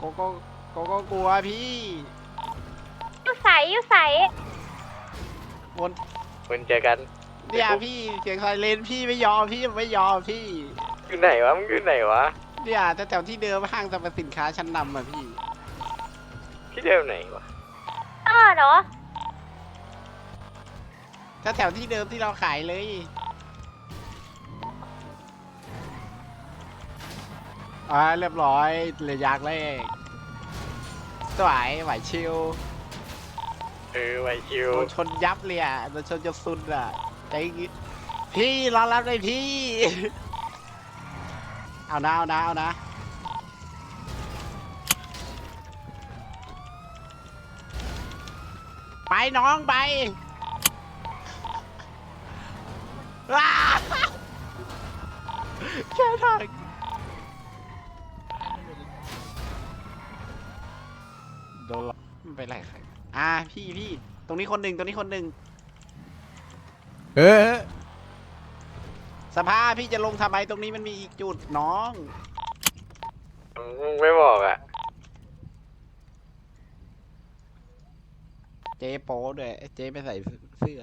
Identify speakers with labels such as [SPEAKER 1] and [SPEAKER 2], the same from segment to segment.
[SPEAKER 1] ก็กลัวพี่
[SPEAKER 2] อยู่ใส
[SPEAKER 1] วน
[SPEAKER 3] มันเจอกัน
[SPEAKER 1] เนี่ยพี่เสียงไซเรนพี่ไม่ยอมพี่ไม่ยอมพี่
[SPEAKER 3] อยู่ไหนวะมึงอยู่ไหนวะ
[SPEAKER 1] เนี่ยแถวที่เดิมห้างสรรพสินค้าชั้นนำอ่ะพี่
[SPEAKER 3] ที่เดิมไหนวะ
[SPEAKER 2] เหรอ
[SPEAKER 1] แถวที่เดิมที่เราขายเลยเรียบร้อยเลยยากเลยสวยไหวชิว
[SPEAKER 3] ไวคิว
[SPEAKER 1] โดนชนยับเลยอ่ะโดนชนจะสุดอ่ะใจงี้พี่รอรับเลยพี่ เอานะไปน้องไปว้าแค่ทางโดนหรอกไม่เป็นไรครับพี่ตรงนี้คนหนึ่งสภาพี่จะลงทำไมตรงนี้มันมีอีกจุดน้อง
[SPEAKER 3] มึงไม่บอกอ่ะ
[SPEAKER 1] เจ๊โป๊ด้วยเจ๊ไม่ใส่เสื้อ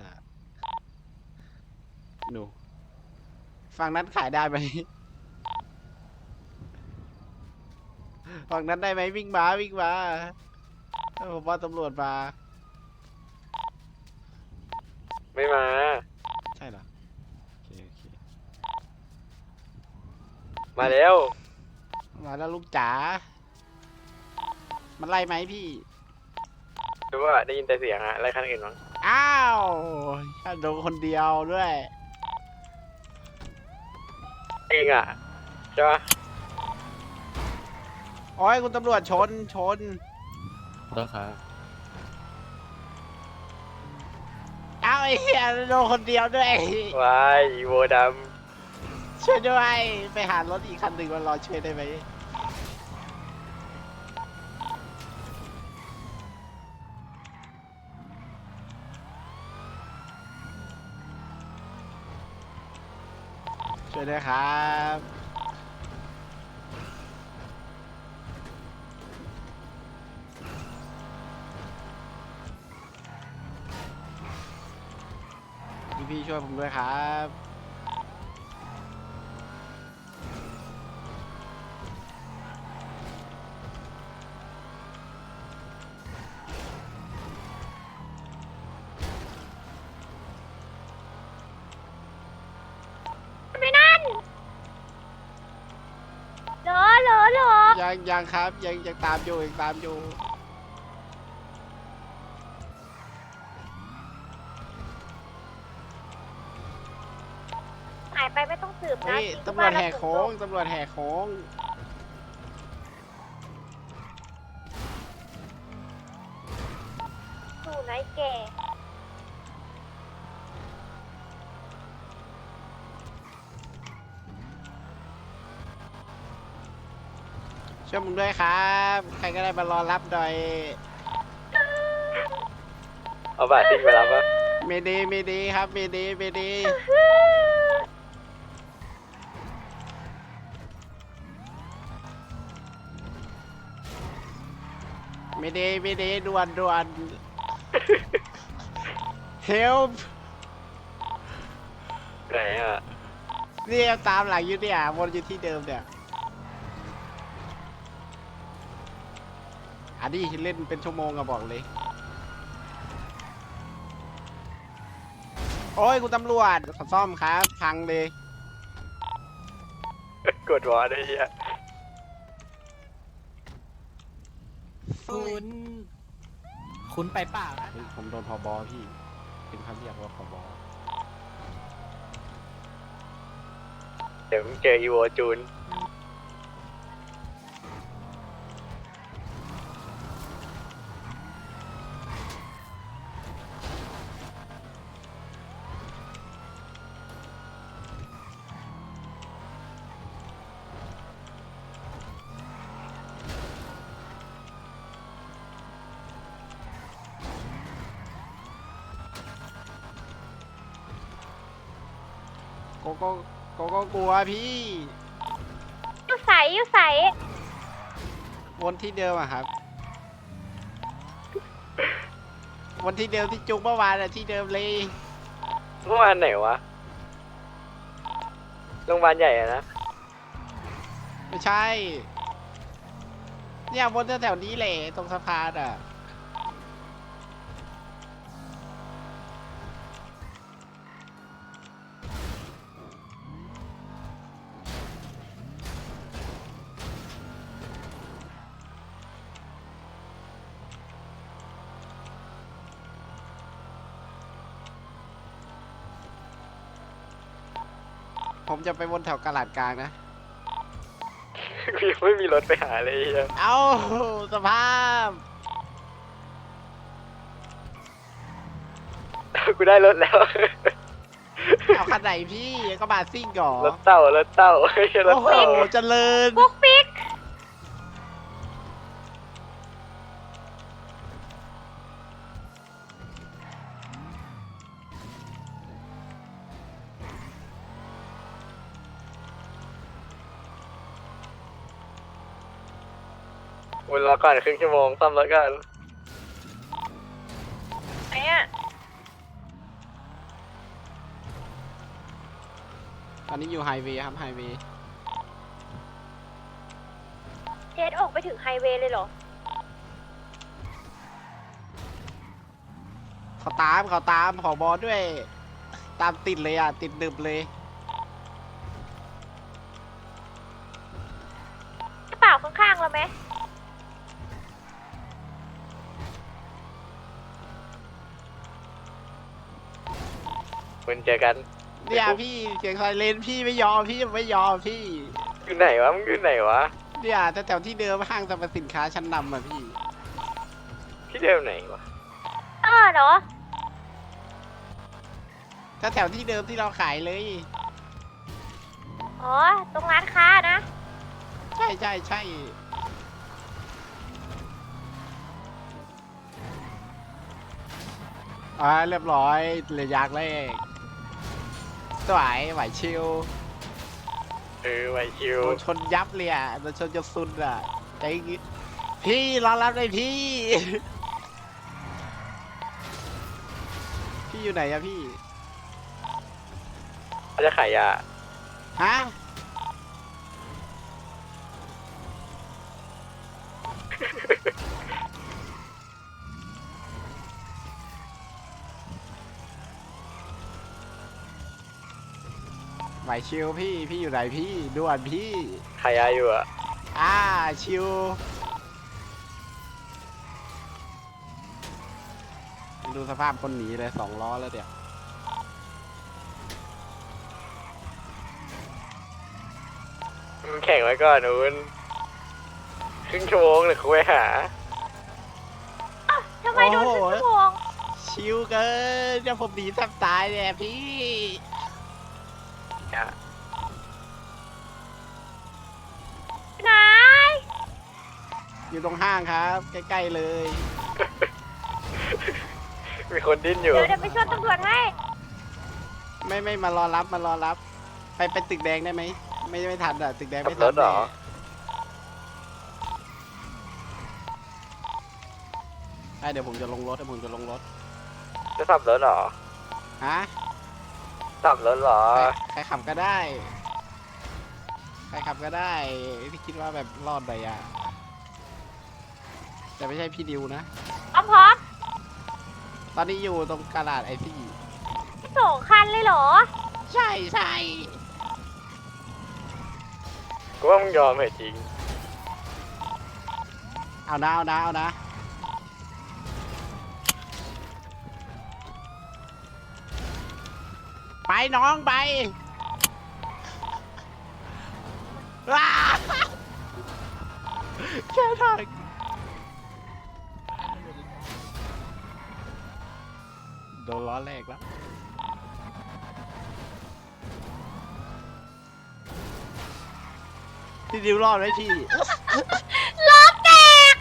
[SPEAKER 1] หนูฝั่งนั้นขายได้ไหมฝั่งนั้นได้ไหมวิ่งมาผมว่าตำรวจมา
[SPEAKER 3] ไม่มา
[SPEAKER 1] ใช่เหรอโอเค
[SPEAKER 3] มาแล้ว
[SPEAKER 1] มาแล้วลูกจ๋ามันไล่ไหมพี่
[SPEAKER 3] รู้ว่าได้ยินแต่เสียงอะอะไรคันอื่นมั้ง
[SPEAKER 1] อ้าวโดนคนเดียวด้วย
[SPEAKER 3] เองอ่ะใช่ปะ
[SPEAKER 1] โอ้ยคุณตำรวจชน
[SPEAKER 4] ต้องครับ
[SPEAKER 1] อ้าวไอ้เหี้ยโดนคนเดียวด้วย
[SPEAKER 3] วายอีโวด
[SPEAKER 1] ช่วยด้วยไปหารถอีกคันหนึ่งมารอช่วยได้ไหมช่วยด้วยครับพี่ช่วยผมด้วยครับ
[SPEAKER 2] ไปนั่นเหรอ
[SPEAKER 1] ยังครับยังตามอยู่
[SPEAKER 2] หายไปไม่ต้องสืบนะ
[SPEAKER 1] เฮ้ย
[SPEAKER 2] ทิ้ง
[SPEAKER 1] ตำรวจแหก
[SPEAKER 2] บ้าน
[SPEAKER 1] โค้งตำรวจแหกโค้ง
[SPEAKER 2] สู่ไหนแก่
[SPEAKER 1] ช่วยผมด้วยครับใครก็ได้มารอรับหน่อย
[SPEAKER 3] ำเอาบาททิ้งไปรับปะ
[SPEAKER 1] เมเดครับเมเดเมเดด่วน help
[SPEAKER 3] ไหนอ่ะ
[SPEAKER 1] เนี่ยตามหลังอยู่เนี่ยวนอยู่ที่เดิมเนี่ยอันนี้เล่นเป็นชั่วโมงอะบอกเลยโอ้ยคุณตำรวจขอซ่อมครับพังเลย
[SPEAKER 3] กดวอร์ได้เหี้ย
[SPEAKER 4] คุณไปเปล่านะ
[SPEAKER 1] เฮ้ยผมโดนผบพี่ เป็นคำเรียกว่าผบ
[SPEAKER 3] เดี๋ยวมึงเจออีโวจูน
[SPEAKER 1] ก็กลัวพี่
[SPEAKER 2] อยู่ใส
[SPEAKER 1] วนที่เดิมอะครับวนที่เดิมที่จุกเมื่อวานอะที่เดิมเลย
[SPEAKER 3] เมื่อวานไหนวะโรงพยาบาลใหญ่อะนะ
[SPEAKER 1] ไม่ใช่เนี่ยวนแถวๆนี้แหละตรงสะพานอะผมจะไปวนแถวกลาดกลางนะ
[SPEAKER 3] กูยังไม่มีรถไปหาเลยไอ้เหี้ย
[SPEAKER 1] เอาสภาพ
[SPEAKER 3] กูได้รถแล้ว
[SPEAKER 1] เอาคันไหนพี่ก็บาซิ่งก่อ
[SPEAKER 3] รถเต่ารถเต่าไม่ใช่รถ
[SPEAKER 1] โอ้โห
[SPEAKER 3] เต่า
[SPEAKER 1] เจริญ
[SPEAKER 2] ปุ๊กปิ๊ก
[SPEAKER 3] วนรอก่อนครึ่งชั่วโมงซ่อมรถก่อน
[SPEAKER 2] ไหนอ่ะ
[SPEAKER 1] ตอนนี้อยู่ไฮเวย์ครับไฮเวย์
[SPEAKER 2] เจสออกไปถึงไฮเวย์เลยเหรอ
[SPEAKER 1] เขาตามขอบอด้วย ตามติดเลยอ่ะ ติดดึบเลย
[SPEAKER 2] กระเป๋าข้างๆเราไหม
[SPEAKER 3] คุณเจอกัน
[SPEAKER 1] เนี่ยพี่เสียงไซเรนพี่ไม่ยอมพี่ไม่ยอมพี่
[SPEAKER 3] อยู่ไหนวะมึงอยู่ไหนวะ
[SPEAKER 1] เนี่ยแถวๆที่เดิมห้างสรรพสินค้าชั้นนำอ่ะพี่
[SPEAKER 3] ที่เดิมไหนวะ
[SPEAKER 2] เหรอ
[SPEAKER 1] แถวๆที่เดิมที่เราขายเลย
[SPEAKER 2] อ๋อ ตรงร้านค้านะ
[SPEAKER 1] ใช่ใช่ใช่เรียบร้อยเลยยากแรกสวยไหวชิว
[SPEAKER 3] ไวคิว
[SPEAKER 1] โดนชนยับเลยอ่ะโดนชนจนสุดอ่ะใจงี้พี่รอรับเลยพี่ พี่อยู่ไหนอะพี่
[SPEAKER 3] เขาจะขายยา
[SPEAKER 1] ฮะ ไหวชิวพี่ พี่อยู่ไหนพี่ด่วนพี่
[SPEAKER 3] ขายยาอยู่อะ
[SPEAKER 1] ชิวดูสภาพคนหนีเลย2 ล้อแล้วเดี๋ยว
[SPEAKER 3] มึงแข่งไว้ก่อนนู้นครึ่งชั่วโมงเดี๋ยวกูไปหา
[SPEAKER 2] ทำไมโดนครึ่งชั่วโมง
[SPEAKER 1] ชิวเกินเดี๋ยวผมหนีแทบตายเนี่ยพี่
[SPEAKER 2] ไหน
[SPEAKER 1] อยู่ตรงห้างครับ ใกล้ๆเลย
[SPEAKER 3] มีคนดิ้นอยู่
[SPEAKER 2] เดี๋ยวไปชวนตำรวจให้
[SPEAKER 1] ไม่มารอรับไปตึกแดงได้ไหมไม่ทันอ่ะตึกแดง
[SPEAKER 3] ขั
[SPEAKER 1] ไม่
[SPEAKER 3] บ
[SPEAKER 1] ทั
[SPEAKER 3] ร
[SPEAKER 1] น
[SPEAKER 3] ถเหรอ
[SPEAKER 1] ใช่เดี๋ยวผมจะลงรถ
[SPEAKER 3] จะขับรถเหรอ
[SPEAKER 1] ฮะ
[SPEAKER 3] ขับรถเหรอ
[SPEAKER 1] ใครขับก็ได้ที่คิดว่าแบบรอดไปอ่ะแต่ไม่ใช่พี่ดิวนะ
[SPEAKER 2] พร้อม
[SPEAKER 1] ตอนนี้อยู่ตรงกลาดไอซี่
[SPEAKER 2] 2 คันเลยเหรอ
[SPEAKER 1] ใช่
[SPEAKER 3] กูว่ามึงยอมเหรอจริง
[SPEAKER 1] เอานะไปน้องไปว้าแค่ทางโดนล้อแรกแล้วพี่ดิวรอดไหมพี่
[SPEAKER 2] ล้อแตก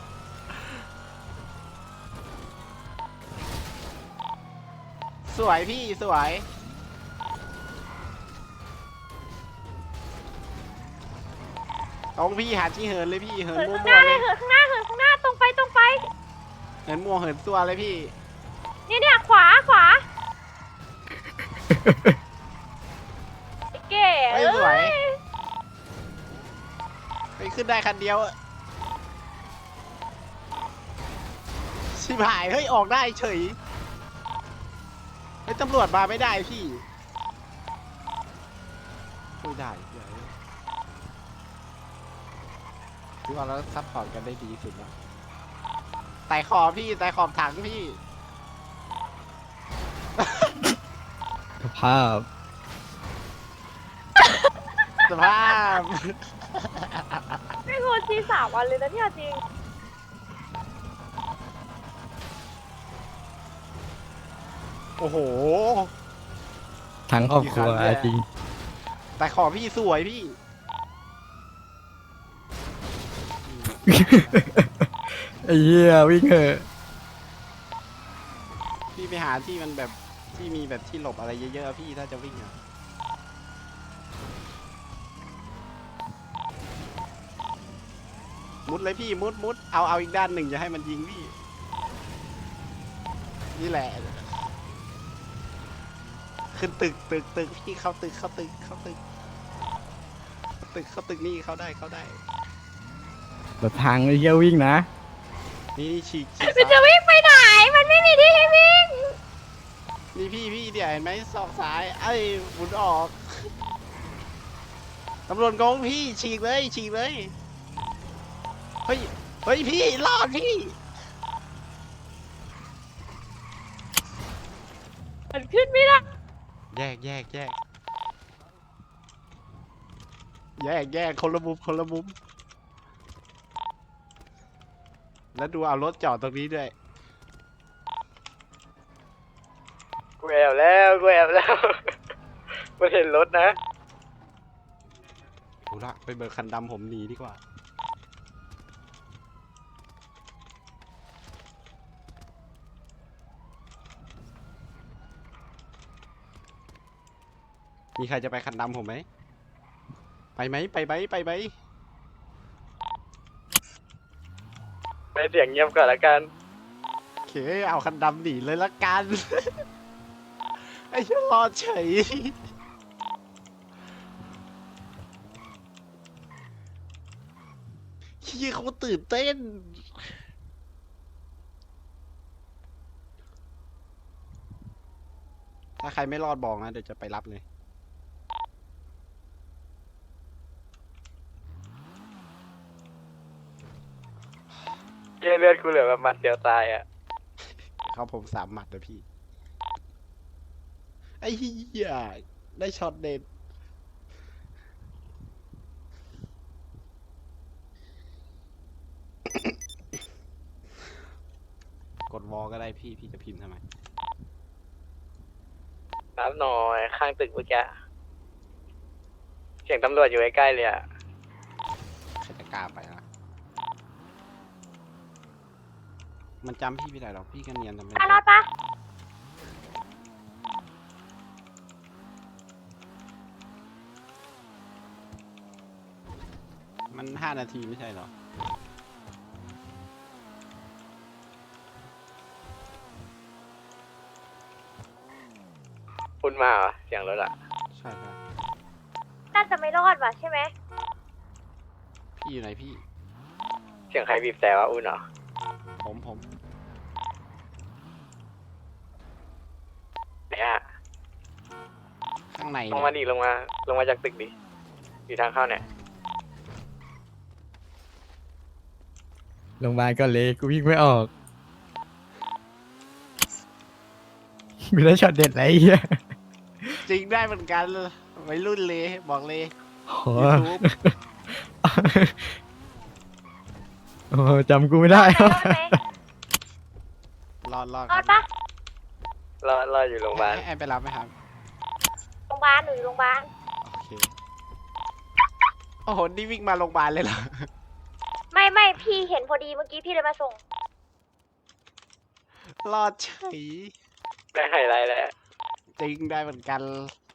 [SPEAKER 1] สวยพี่สวยต้องพี่หาที่เหินเลยพี่เหิน
[SPEAKER 2] เหิน
[SPEAKER 1] มั่
[SPEAKER 2] ข้างห
[SPEAKER 1] ว
[SPEAKER 2] น้า
[SPEAKER 1] ๆเลย ย
[SPEAKER 2] เลเหินข้างหน้าเหินข้างหน้าตรงไปตรงไป
[SPEAKER 1] เหินมั่วเหินตัวเลยพี่
[SPEAKER 2] เนี่ยขวาขวาไอ้เก๋
[SPEAKER 1] เฮ้ยสวย ไปขึ้นได้คันเดียวอะชิบหายเฮ้ยออกได้เฉยเฮ้ยตำรวจมาไม่ได้พี่ไม่ได้พี่ว่าเราซัพพอร์ตกันได้ดีสุดแล้วไต่ขอบพี่ไต่ขอบถังพี่
[SPEAKER 4] สภาพ
[SPEAKER 1] สภาพ
[SPEAKER 2] ไม่ควรที3 วันเลยนะเนี่ยจริง
[SPEAKER 1] โอ้โห
[SPEAKER 4] ทั้งครอบครัว
[SPEAKER 1] กี่ครั้งเนี่ย
[SPEAKER 4] จริง
[SPEAKER 1] แต่ขอพี่สวยพี่
[SPEAKER 4] ไอ้เหี้ยวิ่งเหอะ
[SPEAKER 1] พี่ไปหาที่มันแบบที่มีแบบที่หลบอะไรเยอะๆอะพี่ถ้าจะวิ่งอะมุดเลยพี่มุดเอาอีกด้านหนึ่งจะให้มันยิงพี่ นี่แหละ ขึ้นตึกพี่เข้าตึกนี่เข้าได้
[SPEAKER 4] แบบทางไอ้เหี้ยวิ่งนะ
[SPEAKER 1] นี่ฉีก
[SPEAKER 2] มันจะวิ่งไปไหน มันไม่มีที่ให้วิ่ง
[SPEAKER 1] นี่พี่เดี๋ยวเห็นไหมซอกซ้ายไอ้หมุนออกตำรวจโกงพี่ฉีกเลยเฮ้ยพี่รอดพี่
[SPEAKER 2] มันขึ้นไม่ได้
[SPEAKER 1] แยกคนละมุมแล้วดูเอารถจอดตรงนี้ด้วย
[SPEAKER 3] กูแอบแล้ว มันเห็นรถนะ
[SPEAKER 1] ดูละไปเบิกคันดำผมหนีดีกว่ามีใครจะไปคันดำผมไหมไปไหม
[SPEAKER 3] ไม่เสียงเงียบก่อนละกัน
[SPEAKER 1] โอเคเอาคันดำหนีเลยละกัน ไอ้เชี่ยรอดเฉยขี้เขาตื่นเต้น ถ้าใครไม่รอดบอกนะ เดี๋ยวจะไปรับเลย
[SPEAKER 3] เลือดกูเหลือแบบหมัดเดียวตายอ่ะ
[SPEAKER 1] เขาผม3 หมัดนะพี่ ไอ้เหี้ยได้ช็อตเด็ด กดวอลก็ได้พี่จะพิมพ์ทำไม
[SPEAKER 3] รับหน่อยข้างตึกเมื่อกี้เสียงตำรวจอยู่ใกล้ๆเลยอ่ะ
[SPEAKER 1] ใครจะกล้าไปล่ะ มันจำพี่ไม่ได้หรอกพี่ก็เนียนทำไม
[SPEAKER 2] รอดปะ
[SPEAKER 1] มัน5 นาทีไม่ใช่หรอ
[SPEAKER 3] คุณมาเหรอเสียงรถอ่ะ
[SPEAKER 1] ใช่
[SPEAKER 2] น่าจะไม่รอดว่ะใช่ไหม
[SPEAKER 1] พี่อยู่ไหนพี่
[SPEAKER 3] เสียงใครบีบแต่ว่าอุ่นเหรอ
[SPEAKER 1] ผม
[SPEAKER 3] ไหนอ่ะ
[SPEAKER 1] ข้างใน
[SPEAKER 3] ลงมาดิลงมาจากตึกดิอยู่ทางเข้าเนี่ย
[SPEAKER 4] โรงพยาบาลก็เละกูวิ่งไม่ออกมีได้ช็อตเด็ดอะไรไอ้เหี้ย
[SPEAKER 1] จริงได้เหมือนกันวัยรุ่นเลยบอกเลย
[SPEAKER 4] โอ้โห
[SPEAKER 1] YouTube
[SPEAKER 4] โอ้โหจำกูไม่ได้
[SPEAKER 2] รอดไหม
[SPEAKER 1] รอด
[SPEAKER 2] รอดปะ
[SPEAKER 3] รออยู่โรงพยาบาล
[SPEAKER 1] ให้ไปรับไหมครับ
[SPEAKER 2] โรงพยาบาลหนูอยู่โรงพยาบาล
[SPEAKER 1] โอเค โอ้โห นี่วิ่งมาโรงพยาบาลเลยเหรอ
[SPEAKER 2] ไม่พี่เห็นพอดีเมื่อกี้พี่เลยมาส่ง
[SPEAKER 1] รอดเฉย
[SPEAKER 3] ได้ไฮไลท์แล้ว
[SPEAKER 1] จริงได้เหมือนกัน